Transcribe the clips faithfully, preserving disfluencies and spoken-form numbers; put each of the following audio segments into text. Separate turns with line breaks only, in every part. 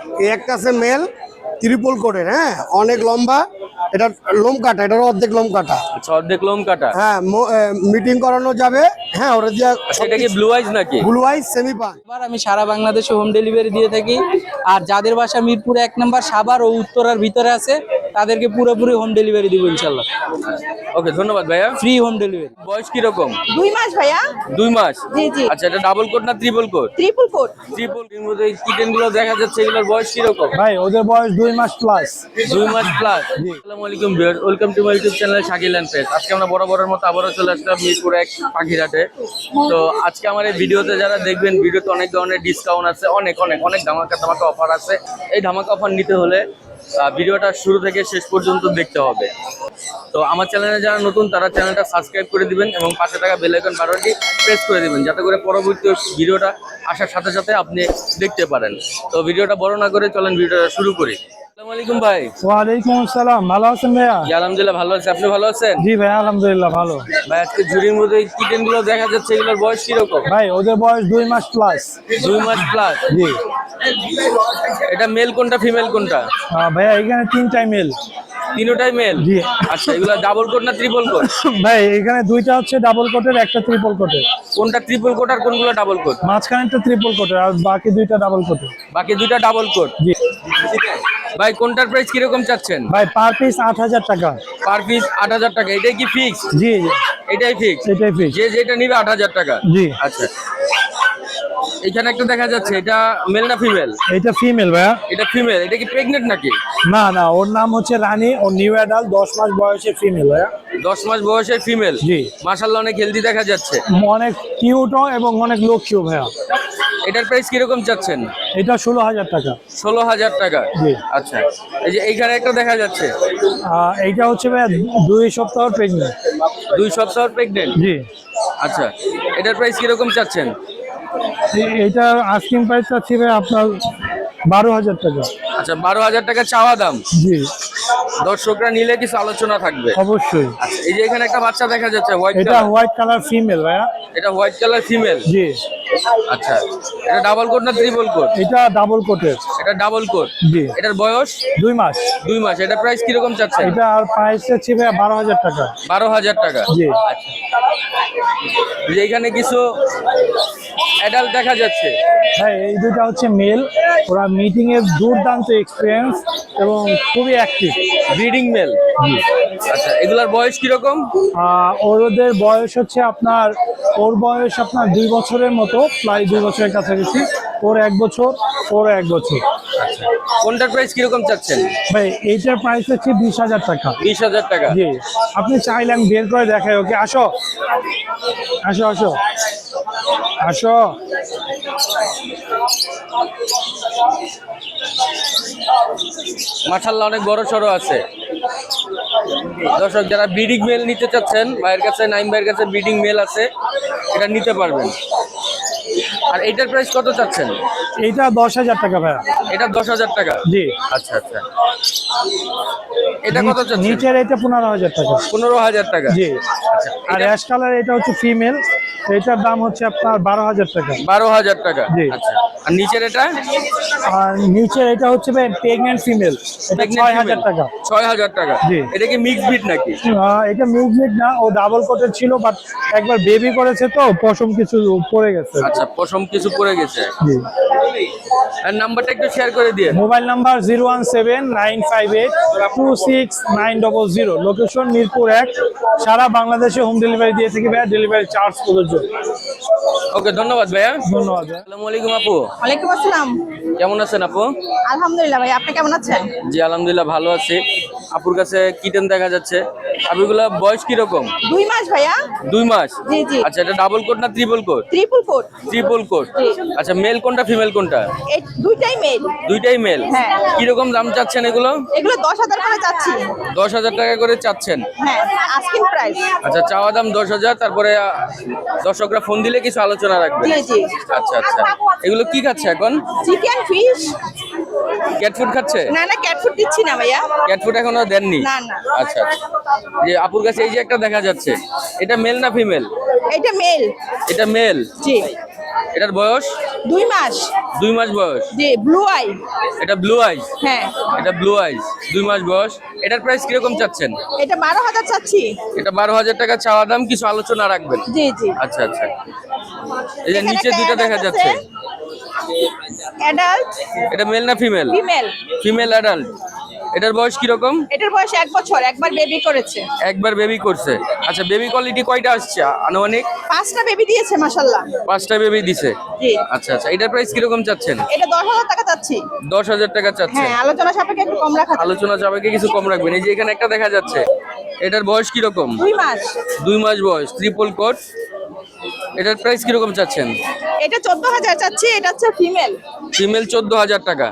এই একটা আছে মেল ত্রিপল কোটের, হ্যাঁ অনেক লম্বা, এটা লোম কাটা, এটার অর্ধেক লোম কাটা।
আচ্ছা, অর্ধেক লোম কাটা।
হ্যাঁ, মিটিং করানো যাবে। হ্যাঁ, ওটা দিয়ে
সেটা কি ব্লু আইজ নাকি?
ব্লু আইজ সেমি পান।
এবার আমি সারা বাংলাদেশে হোম ডেলিভারি দিয়ে থাকি। আর যাদের বাসা মিরপুর এক নম্বর সাভার ও উত্তরার ভিতরে আছে তাদেরকে পুরোপুরি হোম ডেলিভারি দিব ইনশাল্লাহ।
ওকে, ধন্যবাদ ভাইয়া।
Free home delivery.
বয়স কি রকম?
দুই মাস ভাইয়া।
দুই মাস?
জি জি।
আচ্ছা, এটা ডাবল কোট না triple coat?
Triple coat.
Triple এর মধ্যে কিটেন গুলো দেখা যাচ্ছে, এগুলোর বয়স কি রকম?
ভাই ওদের বয়স দুই মাস প্লাস।
দুই মাস প্লাস। আসসালামু আলাইকুম viewer, welcome to my YouTube channel Shakil and page. আজকে আমরা বরাবরের মতো আবারও চলে আসলাম মিরপুর এক পাখিরহাটে। তো আজকে আমার এই ভিডিওতে যারা দেখবেন, ভিডিওতে অনেক ধরনের ডিসকাউন্ট আছে, অনেক অনেক অনেক ধামাকা ধামাকা অফার আছে। এই ধামাকা অফার নিতে হলে ভিডিওটা শুরু থেকে শেষ পর্যন্ত দেখতে হবে। তো আমার চ্যানেলে যারা নতুন তারা চ্যানেলটা সাবস্ক্রাইব করে দিবেন এবং পাশে থাকা বেল আইকন বাটনটি প্রেস করে দিবেন, যাতে করে পরবর্তী ভিডিওটা আসার সাথে সাথে আপনি দেখতে পারেন। তো ভিডিওটা বড় না করে চলেন ভিডিওটা শুরু করি। আসসালামু আলাইকুম ভাই।
ওয়ালাইকুম আসসালাম, ভালো আছেন ভাইয়া?
জি আলহামদুলিল্লাহ ভালো আছি, আপনি ভালো আছেন?
জি ভাই আলহামদুলিল্লাহ ভালো।
ভাই আজকে ঝুড়ির মধ্যে কিটেন গুলো দেখা যাচ্ছে, এগুলোর বয়স কিরকম?
ভাই ওদের বয়স দুই মাস প্লাস।
দুই মাস প্লাস?
জি।
এটা মেল কোনটা ফিমেল কোনটা?
আহ, ভাইয়া এখানে তিনটাই মেল।
তিনটাই মেল?
জি।
আচ্ছা, এগুলো ডাবল কোট না ট্রিপল কোট?
ভাই এখানে দুইটা হচ্ছে ডাবল কোটের, একটা ট্রিপল কোটের।
কোনটা ট্রিপল কোট আর কোনগুলো ডাবল কোট?
মাঝখানেরটা ট্রিপল কোটের আর বাকি দুইটা ডাবল কোটের।
বাকি দুইটা ডাবল কোট?
জি।
ভাই কোনটার প্রাইস কিরকম চাচ্ছেন?
ভাই পার পিস আট হাজার টাকা।
পার পিস আট হাজার টাকা? এটাই কি ফিক্স?
জি জি
এটাই ফিক্স?
এটাই ফিক্স।
যে যেটা নিবে আট হাজার টাকা?
জি।
আচ্ছা, এখানে একটা দেখা যাচ্ছে, এটা মেল না ফিমেল?
এটা ফিমেল ভাইয়া।
এটা ফিমেল। এটা কি প্রেগনেন্ট নাকি?
না না, ওর নাম হচ্ছে রানী, ও নিউ অ্যাডাল্ট, দশ মাস বয়সের ফিমেল ভাইয়া।
দশ মাস বয়সের ফিমেল?
জি।
মাশাআল্লাহ অনেক হেলদি দেখা যাচ্ছে।
অনেক কিউটও এবং অনেক লক্ষ্মীও ভাইয়া।
এটার প্রাইস কিরকম চাচ্ছেন?
এটা ষোলো হাজার টাকা।
ষোলো হাজার টাকা?
জি।
আচ্ছা, এই যে এইখানে একটা দেখা যাচ্ছে,
আহ, এইটা হচ্ছে ভাইয়া দুই সপ্তাহ প্রেগনেন্ট।
দুই সপ্তাহ প্রেগনেন্ট?
জি।
আচ্ছা, এটার প্রাইস কিরকম চাচ্ছেন?
এ- এইটা আস্কিং প্রাইস আছে ভাই আপনার বারো হাজার টাকা।
আচ্ছা, বারো হাজার টাকা চাওয়া দাম।
জি
দর্শকরা নিলে কিছু আলোচনা থাকবে?
অবশ্যই।
আচ্ছা, এই যে এখানে একটা বাচ্চা দেখা যাচ্ছে হোয়াইট
এটা
কালার,
হোয়াইট কালার ফিমেল ভাইয়া।
এটা হোয়াইট কালার ফিমেল?
জি।
আচ্ছা, এটা ডাবল কোট না ট্রিপল কোট?
এটা ডাবল কোটের।
এটা ডাবল কোট?
জি।
এটার বয়স
দুই মাস।
দুই মাস। এটা প্রাইস কিরকম চাচ্ছেন?
এটা আর প্রাইস হচ্ছে ভাইয়া বারো হাজার টাকা।
বারো হাজার টাকা?
জি।
এই যে এখানে কিছু অ্যাডাল্ট দেখা যাচ্ছে।
হ্যাঁ, এই দুটা হচ্ছে মেল। ওরা মিটিং এর দুর্দান্ত এক্সপিরিয়েন্স এবং খুবই অ্যাক্টিভ।
Breeding male?
জি।
আচ্ছা, এগুলার বয়স কিরকম?
আহ, ওদের বয়স হচ্ছে আপনার, ওর বয়স আপনার দুই বছরের মতো, প্রায় দুই বছরের কাছাকাছি। ওর এক বছর, ওর এক বছর।
কোনটার প্রাইস কিরকম চাচ্ছেন?
ভাই এইটার প্রাইস হচ্ছে বিশ হাজার টাকা।
বিশ হাজার টাকা?
জি। আপনি চাইলে আমি বের করে দেখাই। ওকে আসো আসো আসো আসো।
মাশাআল্লাহ অনেক বড় সড়ো আছে। দর্শক যারা ব্রিডিং মেল নিতে চাচ্ছেন, ভাইয়ের কাছে, নাইম ভাইয়ের কাছে ব্রিডিং মেল আছে, এটা নিতে পারবেন। আর এইটার প্রাইস কত চাচ্ছেন?
এইটা দশ হাজার টাকা ভাইয়া।
এটা দশ হাজার টাকা?
জি।
আচ্ছা আচ্ছা, এটা কত চাচ্ছেন?
নিচের এটা পনেরো হাজার টাকা।
পনেরো হাজার টাকা?
জি। আর অ্যাশ কালার এটা হচ্ছে ফিমেল, এটার দাম হচ্ছে আপনার বারো হাজার টাকা।
বারো হাজার টাকা?
জি।
আচ্ছা, আর নিচের এটা?
আর নিচের এটা হচ্ছে প্রেগনেন্ট ফিমেল, এটা ছয় হাজার টাকা।
ছয় হাজার টাকা?
জি।
এটা কি মিক্স ব্রিড নাকি?
আহ, এটা মিউজিক না, ও ডাবল কোটের ছিল, বাট একবার বেবি করেছে তো পশম কিছু পড়ে গেছে।
আচ্ছা, পশম কিছু পড়ে গেছে।
জি।
আর নাম্বারটা একটু শেয়ার করে দিয়ে।
Mobile number zero one seven nine five eight two six nine double zero. Location Mirpur এক। সারা বাংলাদেশে হোম ডেলিভারি দিয়ে থাকি ভাইয়া, ডেলিভারি চার্জ প্রযোজ্য।
ওকে, ধন্যবাদ ভাইয়া।
ধন্যবাদ ভাইয়া।
আসসালামু আলাইকুম আপু।
ওয়ালাইকুম আসসালাম।
কেমন আছেন আপু?
আলহামদুলিল্লাহ ভাই, আপনি কেমন আছেন?
জি আলহামদুলিল্লাহ ভালো আছি। আপুর কাছে কিটেন দেখা যাচ্ছে, আপুগুলা বয়স কিরকম?
দুই মাস ভাইয়া।
দুই মাস?
জি জি।
আচ্ছা, এটা ডাবল কোট না triple coat?
Triple coat.
Triple coat? আচ্ছা, মেল কোনটা ফিমেল কোনটা?
এই দুইটাই মেল।
দুইটাই মেল?
হ্যাঁ।
কিরকম দাম চাচ্ছেন এগুলো?
এগুলো দশ হাজার করে চাচ্ছি।
দশ হাজার টাকা করে চাচ্ছেন?
হ্যাঁ, আস্কিং প্রাইস।
আচ্ছা, চাওয়া দাম দশ হাজার, তারপরে আহ, দর্শকরা ফোন দিলে কিছু আলোচনা রাখবে?
জি জি।
আচ্ছা আচ্ছা, এগুলো কি খাচ্ছে এখন?
Chicken, fish.
ক্যাট ফুড খাচ্ছে?
না না, ক্যাট ফুড দিচ্ছি না ভাইয়া।
ক্যাট ফুড এখনো দেননি?
না, না।
আচ্ছা আচ্ছা, যে আপুর কাছে এই যে একটা দেখা যাচ্ছে, এটা মেল না ফিমেল?
এটা মেল।
এটা মেল?
জি।
এটার বয়স
দুই মাস।
দুই মাস বয়স।
জি, ব্লু আই।
এটা ব্লু আইস।
হ্যাঁ,
এটা ব্লু আইস, দুই মাস বয়স। এটার প্রাইস কিরকম চাচ্ছেন?
এটা বারো হাজার চাচ্ছি।
এটা বারো হাজার টাকা চাওয়া দাম, কিছু আলোচনা রাখবেন।
জি জি।
আচ্ছা আচ্ছা। এই যে
এখানে
নিচে
একটা
দুইটা দেখা
adult
যাচ্ছে,
আছে। অ্যাডাল্ট
এটা মেল না ফিমেল?
ফিমেল।
Female adult. এটার বয়স কিরকম?
এটার বয়স এক বছর, একবার বেবি করেছে।
একবার বেবি করছে। আচ্ছা, বেবি কোয়ালিটি কয়টা আসছে আনুমানিক?
পাঁচটা বেবি দিয়েছে মাশাআল্লাহ।
পাঁচটা বেবি দিছে।
জি।
আচ্ছা আচ্ছা, এটার প্রাইস কিরকম চাচ্ছেন?
এটা দশ হাজার টাকা চাচ্ছি।
দশ হাজার টাকা চাচ্ছেন।
হ্যাঁ, আলোচনা সাপেক্ষে একটু কম রাখা যাবে।
আলোচনা যাবে কিছু কম রাখবেন। এই যে এখানে একটা দেখা যাচ্ছে, এটার বয়স কিরকম?
দুই মাস।
দুই মাস বয়স, ট্রিপল কোট। এটার প্রাইস কিরকম চাচ্ছেন?
এটা চোদ্দ হাজার চাচ্ছি, এটা হচ্ছে ফিমেল।
ফিমেল চোদ্দ হাজার টাকা।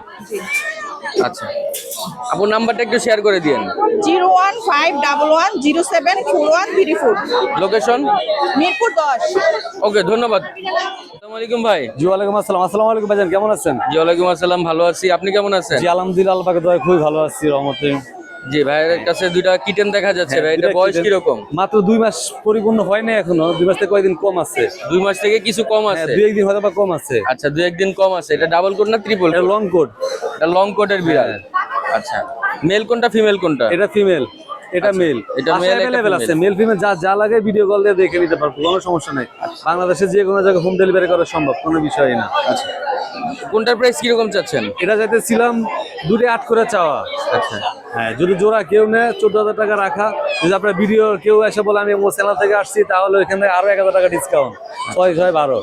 আচ্ছা, আপনার নাম্বারটা একটু শেয়ার করে দিন।
Zero one five double one zero seven four one three four.
Location
Mirpur দশ।
ওকে, ধন্যবাদ। আসসালামু আলাইকুম ভাই।
জি ওয়ালাইকুম আসসালাম। আসসালামু আলাইকুম ভাইজান, কেমন আছেন?
জি ওয়ালাইকুম আসসালাম, ভালো আছি। আপনি কেমন আছেন?
জি আলহামদুলিল্লাহ, আল্লাহ পাকের দয়ায় খুবই ভালো আছি রহমতে।
জি, ভাইয়ের কাছে দুইটা কিটেন দেখা যাচ্ছে। ভাই, এটা বয়স কিরকম?
মাত্র দুই মাস পরিপূর্ণ হয় না এখনো, দুই মাস থেকে কয়েকদিন কম আছে।
দুই মাস থেকে কিছু কম
হ্যাঁ,
আছে।
দুই একদিন হয়তো বা কম আছে।
আচ্ছা, দুই একদিন কম আছে। এটা ডাবল কোট না ট্রিপল?
এটা লং কোট।
এটা লং কোটের বিড়াল। আচ্ছা, মেল কোনটা ফিমেল কোনটা?
এটা ফিমেল, এটা মেল।
এটা male, এটা
अवेलेबल আছে,
female।
মেল ফিমেল যা যা লাগে ভিডিও কল দিয়ে দেখে নিতে পারবো, কোনো সমস্যা নাই। বাংলাদেশে যে কোনো জায়গায় হোম ডেলিভারি করা সম্ভব, কোনো বিষয়ই না।
আচ্ছা, কোনটার প্রাইস কিরকম চাচ্ছেন?
এটা যাইতেছিলাম দুটো আট করে চাওয়া।
আচ্ছা,
হ্যাঁ, যদি জোড়া কেউ নেয় চোদ্দ হাজার টাকা রাখা। যদি আপনার ভিডিও কেউ এসে বলে আমি আমার চ্যানেল থেকে আসছি, তাহলে ওইখানে আরো এক হাজার টাকা ডিসকাউন্ট, ছয় ছয় বারো।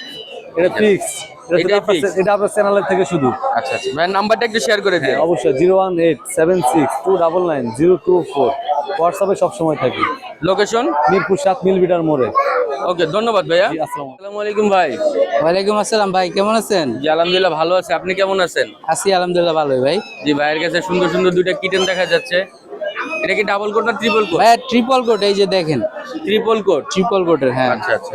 এটা ফিক্স,
এটাই fix?
এটা আপনার চ্যানেলের থেকে শুধু।
আচ্ছা আচ্ছা, ভাইয়ের নাম্বারটা একটু শেয়ার করে দিন।
হ্যাঁ অবশ্যই, zero one eight seven six two double nine zero two four. হোয়াটসঅ্যাপে সবসময় থাকি।
লোকেশন
মিরপুর সাত মিলবিটার মোড়ে।
ওকে, ধন্যবাদ ভাইয়া।
জি, আসসালামু
আসসালামু আলাইকুম ভাই।
ওয়ালাইকুম আসসালাম ভাই, কেমন আছেন?
জি আলহামদুলিল্লাহ ভালো আছে। আপনি কেমন আছেন?
আছি আলহামদুলিল্লাহ ভালোই ভাই।
জি, ভাইয়ের কাছে সুন্দর সুন্দর দুইটা কিটেন দেখা যাচ্ছে। এটা কি ডাবল কোট না ট্রিপল কোট?
ভাই ট্রিপল কোট, এই যে দেখেন
ট্রিপল কোট।
ট্রিপল কোটের। হ্যাঁ,
আচ্ছা আচ্ছা,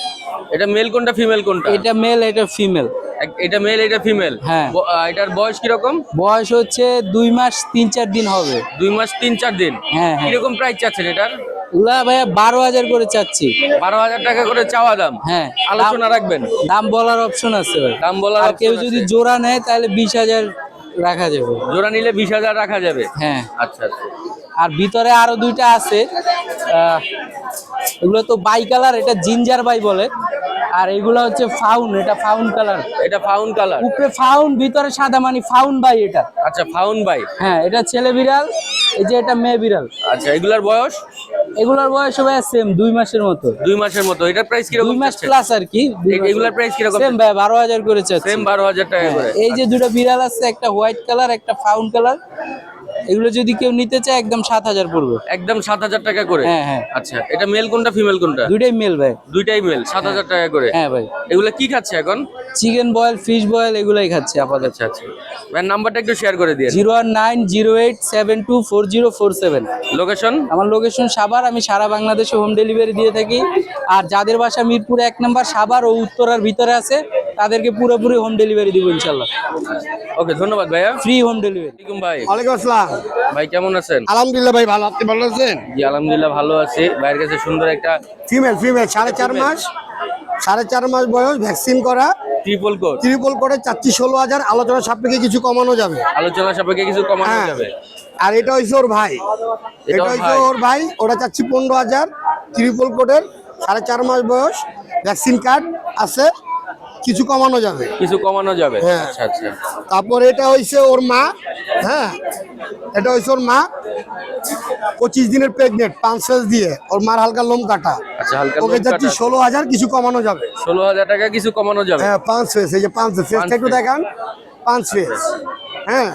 এটা মেল কোনটা ফিমেল কোনটা?
এটা মেল, এটা ফিমেল।
এক- এটা মেল, এটা ফিমেল।
হ্যাঁ।
এটার বয়স কিরকম?
বয়স হচ্ছে দুই মাস তিন চার দিন হবে।
দুই মাস তিন চার দিন।
হ্যাঁ হ্যাঁ।
কিরকম প্রাইস চাচ্ছেন এটার?
ওগুলা ভাইয়া বারো হাজার করে চাচ্ছি।
বারো হাজার টাকা করে চাওয়া দাম।
হ্যাঁ,
আলোচনা
দাম-
রাখবেন।
দাম বলার অপশন আছে ভাই।
দাম বলার
আর কেউ
option
যদি
আছে।
জোড়া নেয় তাহলে বিশ হাজার রাখা যাবে।
জোড়া নিলে বিশ হাজার রাখা যাবে।
হ্যাঁ,
আচ্ছা আচ্ছা।
আর ভিতরে আরো দুইটা আছে। আহ, এগুলো তো বাই কালার, এটা জিঞ্জার বাই বলে। আর এগুলো হচ্ছে ফাউন, এটা ফাউন কালার।
এটা ফাউন কালার।
উপরে ফাউন, ভিতরে সাদা, মানে ফাউন বাই এটা।
আচ্ছা, ফাউন বাই।
হ্যাঁ, এটা ছেলে বিড়াল, এই যে এটা মেয়ে বিড়াল।
আচ্ছা, এগুলার বয়স?
এগুলোর বয়স ভাই সেম দুই মাসের মতো।
দুই মাসের মতো। এটার প্রাইস কিরকম?
দুই মাস প্লাস আর কি।
এ- এগুলার price কিরকম?
সেম ভাই, বারো হাজার করে চাচ্ছি।
সেম বারো হাজার টাকা করে।
এই যে দুটো বিড়াল আছে, একটা হোয়াইট কালার, একটা ফাউন কালার। এগুলো যদি কেউ নিতে চায় একদম সাত হাজার পড়বে।
একদম সাত হাজার টাকা করে।
হ্যাঁ হ্যাঁ,
আচ্ছা, এটা মেল কোনটা ফিমেল কোনটা?
দুইটাই মেল ভাই।
দুইটাই মেল, সাত হাজার টাকা করে।
হ্যাঁ ভাই,
এগুলা কি খাচ্ছে এখন?
চিকেন বয়েল, ফিশ বয়েল এগুলাই খাচ্ছে আপাতত।
আচ্ছা আচ্ছা, ভাইয়ের নাম্বারটা একটু শেয়ার করে দিয়ে।
Zero one nine zero eight seven two four zero four seven.
Location?
আমার লোকেশন সাভার, আমি সারা বাংলাদেশে হোম ডেলিভারি দিয়ে থাকি। আর যাদের বাসা মিরপুর এক নম্বর সাভার ও উত্তরার ভিতরে আছে, তাদেরকে পুরোপুরি হোম ডেলিভারি দিব ইনশাল্লাহ।
ওকে, ধন্যবাদ ভাইয়া।
Free home delivery.
ওয়ালাইকুম ভাই।
ওয়ালাইকুম আসসালাম।
ভাই কেমন আছেন?
আলহামদুলিল্লাহ ভাই ভালো, আপনি ভালো আছেন?
জি আলহামদুলিল্লাহ ভালো আছি। ভাইয়ের কাছে সুন্দর একটা
ফিমেল ফিমেল সাড়ে চার মাস সাড়ে চার মাস বয়স, ভ্যাকসিন করা,
ট্রিপল কোট।
ত্রিপল করে চাচ্ছি ষোলো হাজার। আলোচনা সাপেক্ষে কিছু কমানো যাবে।
আলোচনা সাপেক্ষে কিছু কমানো
হ্যাঁ।
যাবে।
আর এটা হচ্ছে ওর ভাই,
এটা
এটা
ওর
হচ্ছে
ভাই।
ওর ভাই। ওটা চাচ্ছি পনেরো হাজার, ত্রিপল কোটের, সাড়ে চার মাস বয়স, ভ্যাকসিন কার্ড আছে, কিছু কমানো যাবে।
কিছু কমানো যাবে।
হ্যাঁ।
আচ্ছা আচ্ছা।
তারপর এটা হইছে ওর মা। হ্যাঁ, এটা হইছে ওর মা, পঁচিশ দিনের প্রেগনেন্ট, পাঁচ ফেজ দিয়ে। ওর মার হালকা লোম কাটা।
আচ্ছা, হালকা
ওকে
লোম
যাচ্ছি
কাটা।
ষোলো হাজার, কিছু কমানো যাবে।
ষোলো হাজার টাকা কিছু কমানো যাবে।
হ্যাঁ, পাঁচ ফেজ, এই যে পাঁচ ফেজ, ফেজটা একটু
face।
দেখান, পাঁচ ফেজ। হ্যাঁ,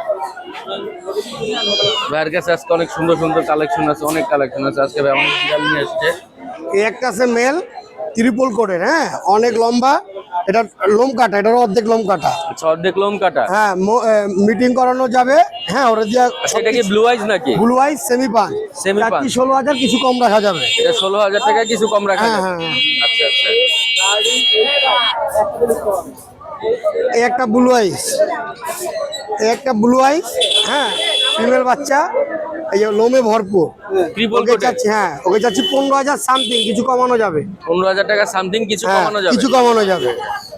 ভাইয়ের কাছে আজকে অনেক সুন্দর সুন্দর কালেকশন আছে, অনেক কালেকশন আছে। আজকে ভাই অনেক বিড়াল নিয়ে আসছে।
এই একটা আছে মেল, ত্রিপল কোটের। হ্যাঁ, অনেক লম্বা, এটা লোম কাটা, এটার অর্ধেক লোম কাটা।
আচ্ছা, অর্ধেক লোম কাটা।
হ্যাঁ, মিটিং করানো যাবে। হ্যাঁ, ওরা দিয়া
সেটা কি ব্লু আইজ নাকি?
ব্লু আইস সেমি পান,
Semi পান।
চারটি ষোলো হাজার, কিছু কম রাখা যাবে।
এটা ষোলো হাজার টাকা কিছু কম রাখা
হ্যাঁ,
যাবে।
হ্যাঁ, হ্যাঁ।
আচ্ছা আচ্ছা।
এই একটা ব্লু আইস, এই একটা ব্লু আইস। হ্যাঁ, ফিমেল বাচ্চা, এই যে লোমে ভরপুর
ট্রিপল
ওকে চাচ্ছি, হ্যাঁ ওকে চাচ্ছি পনেরো হাজার সামথিং, কিছু কমানো যাবে।
পনেরো হাজার টাকা সামথিং কিছু
হ্যাঁ
কমানো যাবে।
কিছু কমানো যাবে।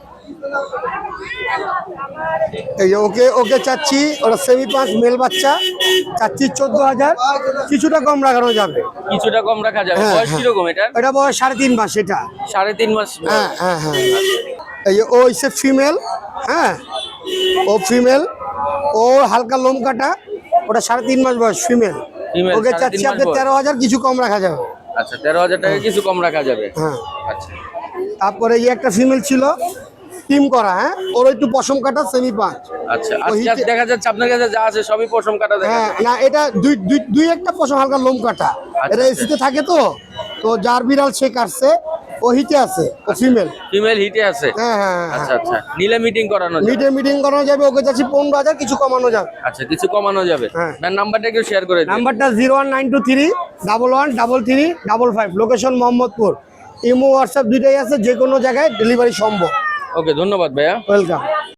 এই যে ওকে ওকে চাচ্ছি, ওরা সেমি পাঁচ মেল বাচ্চা চাচ্ছি চোদ্দ হাজার, কিছুটা কম রাখানো যাবে।
কিছুটা কম রাখা যাবে।
হ্যাঁ,
বয়স
হ্যাঁ।
কিরকম এটা?
এটা বয়স সাড়ে তিন মাস এটা।
সাড়ে তিন মাস বয়স।
হ্যাঁ হ্যাঁ হ্যাঁ এই যে ও হচ্ছে ফিমেল, হ্যাঁ ও ফিমেল, ও হালকা লোম কাটা, ওটা সাড়ে তিন মাস বয়স ফিমেল।
Female,
ওকে
সাড়ে তিন
চাচ্ছি
মাস
আপনার
বয়স।
তেরো হাজার, কিছু কম রাখা যাবে।
আচ্ছা, তেরো হাজার টাকা কিছু কম রাখা যাবে।
হ্যাঁ
আচ্ছা,
তারপরে এই একটা ফিমেল ছিল টিম করা, হ্যাঁ ওর একটু পশম কাটা সেমি পাঁচ।
আচ্ছা।
ওই
আজকে
হিটে-
দেখা যাচ্ছে আপনার কাছে যা আছে সবই পশম কাটা দেখা
হ্যাঁ
যাচ্ছে।
না এটা দুই দুই দুই একটা পশম হালকা লোম কাটা,
আচ্ছা,
এটা এসিতে থাকে তো, তো যার বিড়াল সে কাটছে, ও হিটে আছে, ও ফিমেল।
ফিমেল হিটে আছে।
হ্যাঁ হ্যাঁ
আচ্ছা আচ্ছা, নিলে মিটিং করানো যাবে।
মিটে মিটিং করানো যাবে। ওকে চাচ্ছি পনেরো হাজার, কিছু কমানো যাবে।
আচ্ছা, কিছু কমানো যাবে।
হ্যাঁ।
আপনার নাম্বারটা একটু শেয়ার করে দিন।
নাম্বারটা zero one nine two three double one double three double five, location Mohammadpur. Imo WhatsApp দুইটাই আছে, যে কোনো জায়গায় ডেলিভারি সম্ভব।
ওকে, ধন্যবাদ ভাইয়া।
ওয়েলকাম।